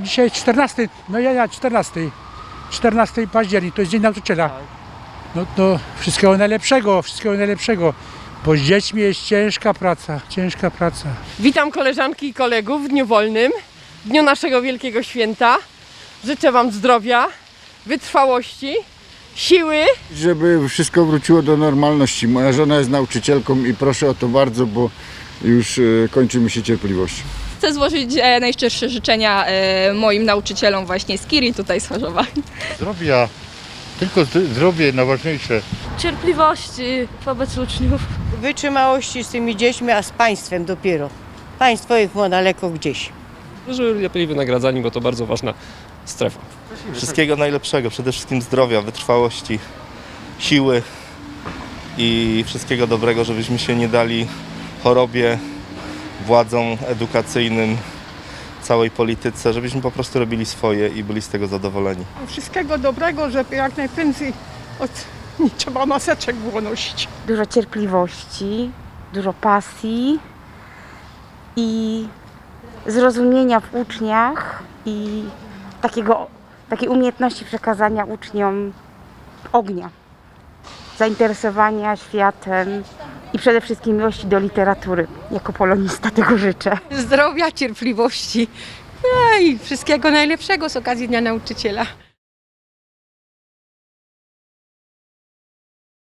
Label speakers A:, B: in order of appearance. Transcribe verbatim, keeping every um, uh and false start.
A: dzisiaj czternasty, no ja, ja, czternasty. czternasty października, to jest Dzień Nauczyciela. No to wszystkiego najlepszego, wszystkiego najlepszego. Bo z dziećmi jest ciężka praca, ciężka praca.
B: Witam koleżanki i kolegów w dniu wolnym, w dniu naszego wielkiego święta. Życzę Wam zdrowia, wytrwałości, siły.
C: Żeby wszystko wróciło do normalności. Moja żona jest nauczycielką i proszę o to bardzo, bo już e, kończy mi się cierpliwość.
D: Chcę złożyć e, najszczersze życzenia e, moim nauczycielom właśnie z Kiri, tutaj z Chorzowa.
E: Zdrowia, tylko zdrowie najważniejsze.
F: Cierpliwości wobec uczniów.
G: Wytrzymałości z tymi dziećmi, a z państwem dopiero. Państwo ich ma daleko gdzieś.
H: Żeby ludzie byli wynagradzani, bo to bardzo ważna strefa.
I: Wszystkiego najlepszego, przede wszystkim zdrowia, wytrwałości, siły i wszystkiego dobrego, żebyśmy się nie dali chorobie, władzom edukacyjnym, całej polityce, żebyśmy po prostu robili swoje i byli z tego zadowoleni.
J: Wszystkiego dobrego, żeby jak najprędzej od... nie trzeba maseczek było nosić.
K: Dużo cierpliwości, dużo pasji i zrozumienia w uczniach i takiego, takiej umiejętności przekazania uczniom ognia, zainteresowania światem i przede wszystkim miłości do literatury. Jako polonista tego życzę.
F: Zdrowia, cierpliwości, no i wszystkiego najlepszego z okazji Dnia Nauczyciela.